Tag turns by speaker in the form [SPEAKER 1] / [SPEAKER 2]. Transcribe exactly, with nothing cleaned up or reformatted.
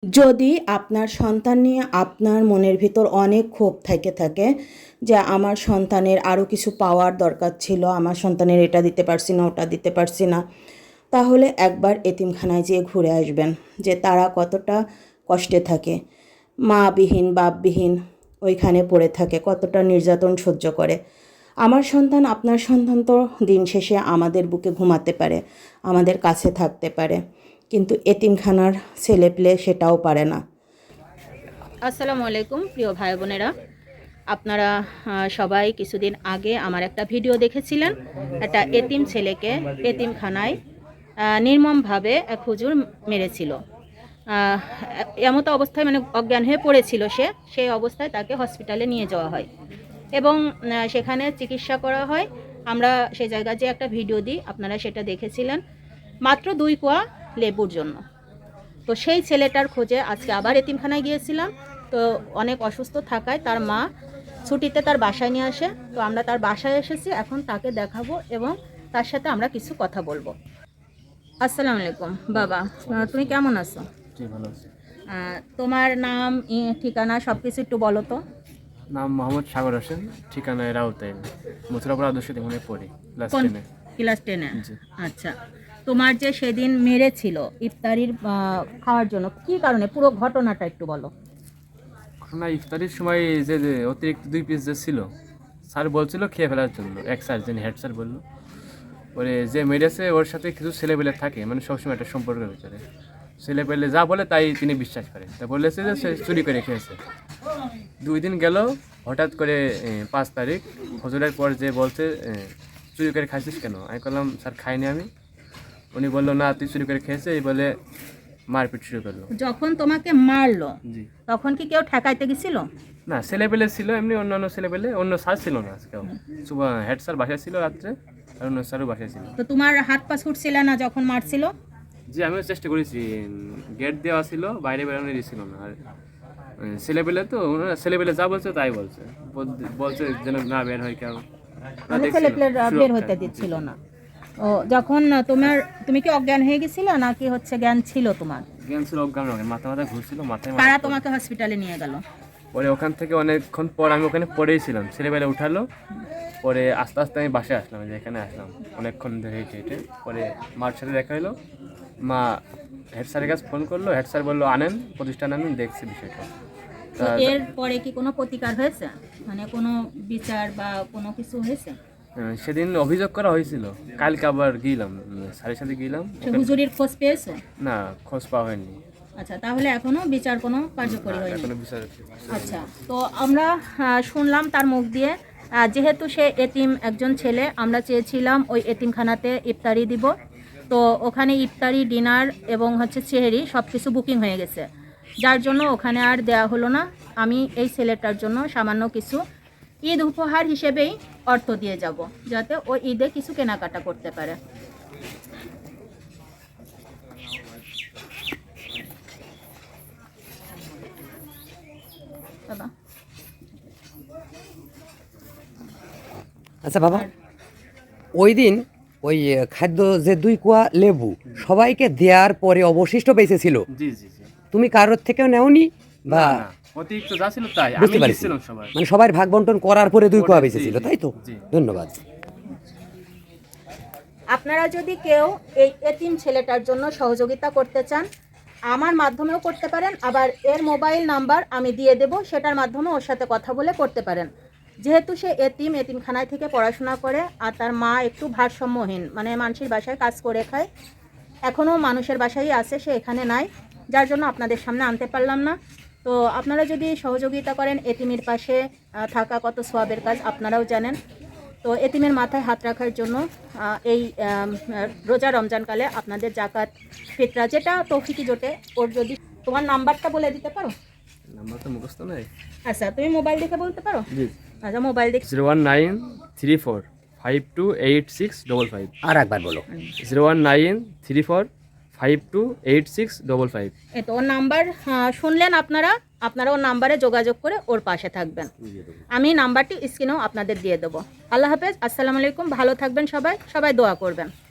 [SPEAKER 1] যদি আপনার সন্তান নিয়ে আপনার মনের ভিতর অনেক ক্ষোভ থেকে থাকে যে আমার সন্তানের আরও কিছু পাওয়ার দরকার ছিল, আমার সন্তানের এটা দিতে পারছি না, ওটা দিতে পারছি না, তাহলে একবার এতিমখানায় যেয়ে ঘুরে আসবেন যে তারা কতটা কষ্টে থাকে, মাবিহীন বাপবিহীন ওইখানে পড়ে থাকে, কতটা নির্যাতন সহ্য করে। আমার সন্তান, আপনার সন্তান তো দিন শেষে আমাদের বুকে ঘুমাতে পারে, আমাদের কাছে থাকতে পারে, কিন্তু এতিমখানার ছেলেপেলে সেটাও পারে না।
[SPEAKER 2] আসসালামু আলাইকুম প্রিয় ভাই বোনেরা, আপনারা সবাই কিছুদিন আগে আমার একটা ভিডিও দেখেছিলেন। একটা এতিম ছেলেকে এতিমখানায় নির্মমভাবে এক হুজুর মেরেছিল। এমতো অবস্থায় মানে অজ্ঞান হয়ে পড়েছিল সে, সেই অবস্থায় তাকে হসপিটালে নিয়ে যাওয়া হয় এবং সেখানে চিকিৎসা করা হয়। আমরা সেই জায়গায় যে একটা ভিডিও দিই, আপনারা সেটা দেখেছিলেন, মাত্র দুই কোয়া লেবুর জন্য। তো সেই ছেলেটার খোঁজে আজকে আবার এতিমখানায় গিয়েছিলাম। তো অনেক অসুস্থ থাকায় তার মা ছুটিতে তার বাসায় নিয়ে আসে। তো আমরা তার বাসায় এসেছি, এখন তাকে দেখাবো এবং তার সাথে আমরা কিছু কথা বলবো। আসসালামু আলাইকুম বাবা, তুমি কেমন আছো?
[SPEAKER 3] ভালো আছি।
[SPEAKER 2] তোমার নাম, ঠিকানা সব কিছু একটু বলো তো।
[SPEAKER 3] নাম মোহাম্মদ সাগর হোসেন, ঠিকানা রাউতাইন, মথুরাপুর আদর্শ মনে পড়ি, ক্লাস টেনে।
[SPEAKER 2] ক্লাস টেনে আচ্ছা। তোমার যে সেদিন মেরেছিল ইফতারির খাওয়ার জন্য, কি কারণে, পুরো ঘটনাটা একটু বলো।
[SPEAKER 3] ঘটনা ইফতারির সময় যে অতিরিক্ত দুই পিস যে ছিল, স্যার বলছিল খেয়ে ফেলার জন্য। এক স্যার, যিনি হেড স্যার, বললো ওরে যে মেরেছে ওর সাথে কিছু ছেলেপেলে থাকে, মানে সবসময় একটা সম্পর্কের ভিতরে ছেলেপেলে যা বলে তাই তিনি বিশ্বাস করেন। তা বলেছে যে সে চুরি করে খেয়েছে। দুই দিন গেল, হঠাৎ করে পাঁচ তারিখ হজরের পর যে বলছে চুরি করে খাইছিস কেন? আমি বললাম স্যার খাইনি আমি। উনি বললো না তুই চুরি করে খেয়েছে, এই বলে মারপিট শুরু করলো।
[SPEAKER 2] যখন তোমাকে মারলো তখন কি কেউ ঠেকাইতে গেছিল?
[SPEAKER 3] না, ছেলেপেলে ছিল এমনি, অন্যান্য ছেলেপেলে, অন্য স্যার ছিল না আজকেও। হেড স্যার বাসায় ছিল রাত্রে, আর অন্য স্যারও বাসায় ছিল।
[SPEAKER 2] তো তোমার হাত পা ছুটছিল না যখন মারছিল?
[SPEAKER 3] জি, আমিও চেষ্টা করেছি, গেট দেওয়া ছিল, বাইরে বেরোনো দিছিল না। আর ছেলেপেলে তো ছেলেপেলে যা বলছে তাই বলছে, বলছে যেন না বের হয় কেউ,
[SPEAKER 2] ছেলেপেলে বের হইতে দিচ্ছিল না। ও যখন তোমার, তুমি কি অজ্ঞান হয়ে গেছিল নাকি হচ্ছে জ্ঞান ছিল তোমার?
[SPEAKER 3] জ্ঞান ছিল, অজ্ঞান নয়, মাথা মাথা ঘুরছিল, মাথায়।
[SPEAKER 2] তারা তোমাকে হসপিটালে নিয়ে গেল।
[SPEAKER 3] পরে ওখান থেকে অনেকক্ষণ পর আমি ওখানে পড়েই ছিলাম, ছেলেবেলা উঠালো। পরে আস্তে আস্তে আমি বাসায় আসলাম, যে এখানে আসলাম অনেকক্ষণ ধরে হেঁটে হেঁটে। পরে মার সাথে দেখা হলো, মা হেড স্যারের কাছে ফোন করলো, হেড স্যার বললো আনেন, প্রতিষ্ঠান আনেন, দেখছি বিষয়টা।
[SPEAKER 2] এর পরে কি কোনো প্রতিকার হয়েছে, মানে কোনো বিচার বা কোনো কিছু হয়েছে?
[SPEAKER 3] সেদিন অভিযোগ করা হয়েছিল, কালকে আবার গেলাম, স্যারের সাথে গেলাম।
[SPEAKER 2] হুজুরির খোঁজ পেয়েছো?
[SPEAKER 3] না, খোঁজ পাওয়া হয়নি।
[SPEAKER 2] আচ্ছা, তাহলে এখনো বিচার কোনো কার্যকরী হয়নি?
[SPEAKER 3] এখনো বিচার।
[SPEAKER 2] আচ্ছা, তো আমরা শুনলাম তার মুখ দিয়ে, যেহেতু সে এতিম একজন ছেলে, আমরা চেয়েছিলাম ওই এতিমখানাতে ইফতারি দিব। তো ওখানে ইফতারি, ডিনার এবং হচ্ছে সেহরি সব কিছু বুকিং হয়ে গেছে, যার জন্য ওখানে আর দেয়া হলো না। আমি এই ছেলেটার জন্য সামান্য কিছু ঈদ উপহার হিসেবেই অর্থ দিয়ে যাব, যাতে ও ঈদে কিছু কেনাকাটা করতে পারে। বাবা,
[SPEAKER 4] আচ্ছা বাবা, ওই দিন ওই খাদ্য যে দুই কোয়া লেবু সবাইকে দেওয়ার পরে অবশিষ্ট বেঁচে ছিল,
[SPEAKER 3] জি জি জি,
[SPEAKER 4] তুমি কারোর থেকেও নেওনি বা?
[SPEAKER 3] অতিরিক্ত যা ছিল তাই
[SPEAKER 4] বুঝতে
[SPEAKER 3] আমি
[SPEAKER 4] পারছি,
[SPEAKER 3] দিছিলাম সবাই,
[SPEAKER 4] মানে সবার ভাগ বন্টন করার পরে দুই কোয়া বেঁচে ছিল, তাই তো? ধন্যবাদ।
[SPEAKER 2] আপনারা যদি কেউ এই এতিম ছেলেটার জন্য সহযোগিতা করতে চান, আমার মাধ্যমেও করতে পারেন, আবার এর মোবাইল নাম্বার আমি দিয়ে দেব, সেটার মাধ্যমে ওর সাথে কথা বলে করতে পারেন। যেহেতু সে এতিম, এতিমখানায় থেকে পড়াশোনা করে, আর তার মা একটু ভারসাম্যহীন, মানে মানুষের বাসায় কাজ করে খায়, এখনও মানুষের বাসায় আছে, সে এখানে নাই, যার জন্য আপনাদের সামনে আনতে পারলাম না। তো আপনারা যদি সহযোগিতা করেন, এতিমের পাশে থাকা কত সওয়াবের কাজ আপনারাও জানেন। তো এতিমের মাথায় হাত রাখার জন্য এই রোজা রমজানকালে আপনাদের জাকাত, ফিতরা, যেটা তৌফিকি জোটে, ওর যদি, তোমার নাম্বারটা বলে দিতে পারো?
[SPEAKER 3] নাম্বার তো মুখস্থ নাই।
[SPEAKER 2] আচ্ছা, তুমি মোবাইল দেখে বলতে পারো?
[SPEAKER 3] জি।
[SPEAKER 2] আচ্ছা, মোবাইল দেখে
[SPEAKER 3] zero one nine three four five two eight six double five.
[SPEAKER 4] আর একবার বলো।
[SPEAKER 3] Zero one nine three four five two eight six double five.
[SPEAKER 2] এই তো ওর নাম্বার শুনলেন আপনারা, আপনারা ওর নাম্বারে যোগাযোগ করে ওর পাশে থাকবেন। আমি নাম্বারটি স্ক্রিনেও আপনাদের দিয়ে দেবো। আল্লাহ হাফেজ, আসসালামু আলাইকুম, ভালো থাকবেন সবাই, সবাই দোয়া করবেন।